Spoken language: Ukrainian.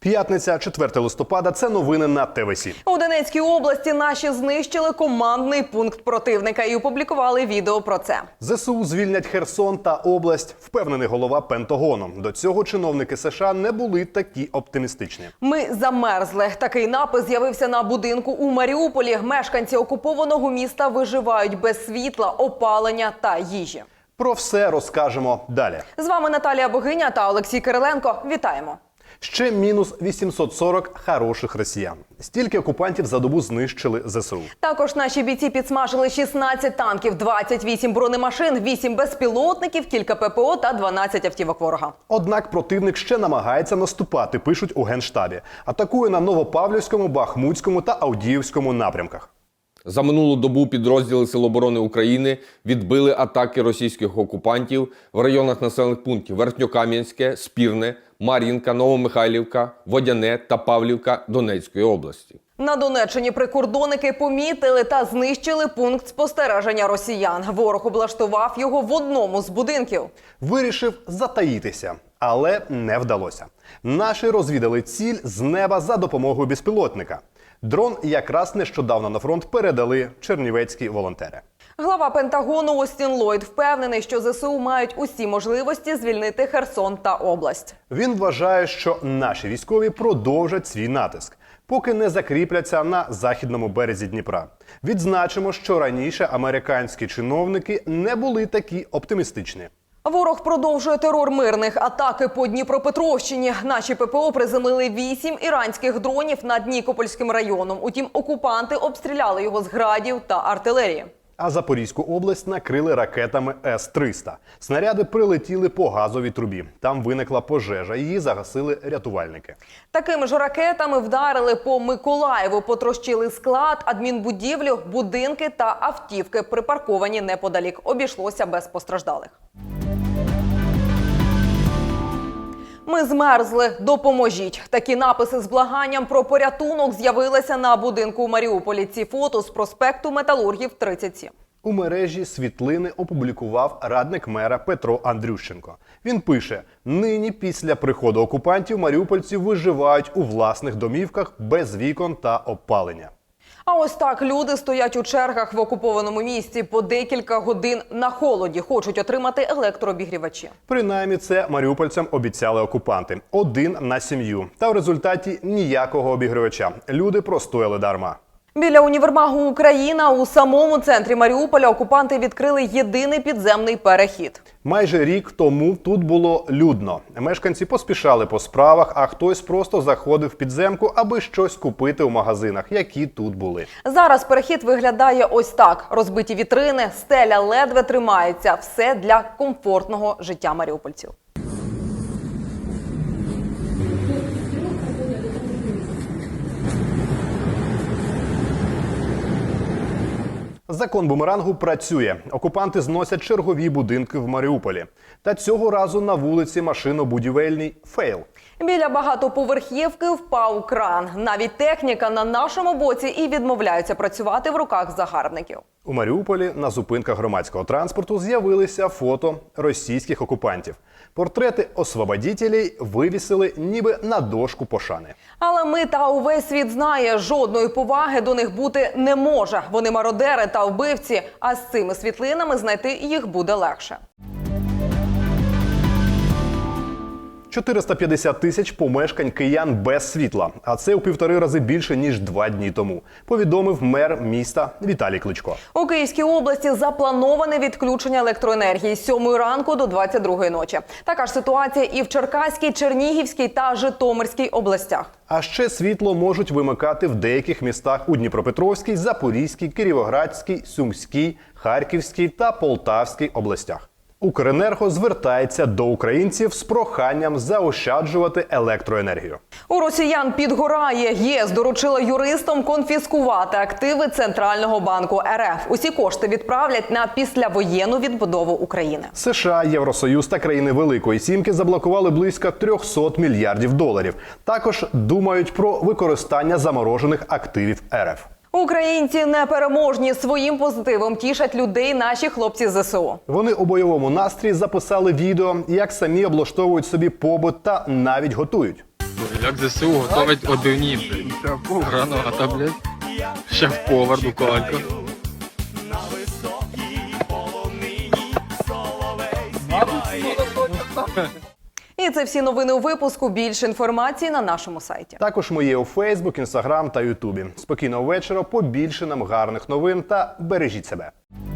П'ятниця, 4 листопада. Це новини на ТВС. У Донецькій області наші знищили командний пункт противника і опублікували відео про це. ЗСУ звільнять Херсон та область, впевнений голова Пентагону. До цього чиновники США не були такі оптимістичні. Ми замерзли. Такий напис з'явився на будинку у Маріуполі. Мешканці окупованого міста виживають без світла, опалення та їжі. Про все розкажемо далі. З вами Наталія Богиня та Олексій Кириленко. Вітаємо! Ще мінус 840 хороших росіян. Стільки окупантів за добу знищили ЗСУ. Також наші бійці підсмажили 16 танків, 28 бронемашин, 8 безпілотників, кілька ППО та 12 автівок ворога. Однак противник ще намагається наступати, пишуть у Генштабі. Атакує на Новопавлівському, Бахмутському та Авдіївському напрямках. За минулу добу підрозділи Сил оборони України відбили атаки російських окупантів в районах населених пунктів Верхньокам'янське, Спірне, Мар'їнка, Новомихайлівка, Водяне та Павлівка Донецької області. На Донеччині прикордонники помітили та знищили пункт спостереження росіян. Ворог облаштував його в одному з будинків. Вирішив затаїтися, але не вдалося. Наші розвідали ціль з неба за допомогою безпілотника. Дрон якраз нещодавно на фронт передали чернівецькі волонтери. Глава Пентагону Остін Ллойд впевнений, що ЗСУ мають усі можливості звільнити Херсон та область. Він вважає, що наші військові продовжать свій натиск, поки не закріпляться на західному березі Дніпра. Відзначимо, що раніше американські чиновники не були такі оптимістичні. Ворог продовжує терор мирних. Атаки по Дніпропетровщині. Наші ППО приземлили 8 іранських дронів над Нікопольським районом. Утім, окупанти обстріляли його з градів та артилерії. А Запорізьку область накрили ракетами С-300. Снаряди прилетіли по газовій трубі. Там виникла пожежа, її загасили рятувальники. Такими ж ракетами вдарили по Миколаєву, потрощили склад, адмінбудівлю, будинки та автівки, припарковані неподалік. Обійшлося без постраждалих. Ми змерзли, допоможіть. Такі написи з благанням про порятунок з'явилися на будинку у Маріуполі. Ці фото з проспекту Металургів, 37. У мережі світлини опублікував радник мера Петро Андрющенко. Він пише: нині після приходу окупантів маріупольці виживають у власних домівках без вікон та опалення. А ось так люди стоять у чергах в окупованому місті по декілька годин на холоді. Хочуть отримати електрообігрівачі. Принаймні це маріупольцям обіцяли окупанти. 1 на сім'ю. Та в результаті ніякого обігрівача. Люди простояли дарма. Біля універмагу «Україна» у самому центрі Маріуполя окупанти відкрили єдиний підземний перехід. Майже рік тому тут було людно. Мешканці поспішали по справах, а хтось просто заходив в підземку, аби щось купити у магазинах, які тут були. Зараз перехід виглядає ось так. Розбиті вітрини, стеля ледве тримається. Все для комфортного життя маріупольців. Закон бумерангу працює. Окупанти зносять чергові будинки в Маріуполі. Та цього разу на вулиці машинобудівельній фейл. Біля багатоповерхівки впав кран. Навіть техніка на нашому боці і відмовляються працювати в руках загарбників. У Маріуполі на зупинках громадського транспорту з'явилися фото російських окупантів. Портрети освободітелей вивісили ніби на дошку пошани. Але ми та увесь світ знає, жодної поваги до них бути не може. Вони мародери та вбивці, а з цими світлинами знайти їх буде легше. 450 тисяч помешкань киян без світла. А це у 1,5 рази більше, ніж 2 дні тому. Повідомив мер міста Віталій Кличко. У Київській області заплановане відключення електроенергії з 7 ранку до 22 ночі. Така ж ситуація і в Черкаській, Чернігівській та Житомирській областях. А ще світло можуть вимикати в деяких містах у Дніпропетровській, Запорізькій, Кіровоградській, Сумській, Харківській та Полтавській областях. Укренерго звертається до українців з проханням заощаджувати електроенергію. У росіян підгорає. ЄС доручила юристам конфіскувати активи Центрального банку РФ. Усі кошти відправлять на післявоєнну відбудову України. США, Євросоюз та країни Великої Сімки заблокували близько 300 мільярдів доларів. Також думають про використання заморожених активів РФ. Українці непереможні. Своїм позитивом тішать людей наші хлопці з ЗСУ. Вони у бойовому настрої записали відео, як самі облаштовують собі побут та навіть готують. Як ЗСУ готовить одивні, блядь. Граната, блядь. Шеф-повар Дукалько. І це всі новини у випуску. Більше інформації на нашому сайті. Також ми є у Фейсбук, Інстаграм та Ютубі. Спокійного вечора, побільше нам гарних новин та бережіть себе.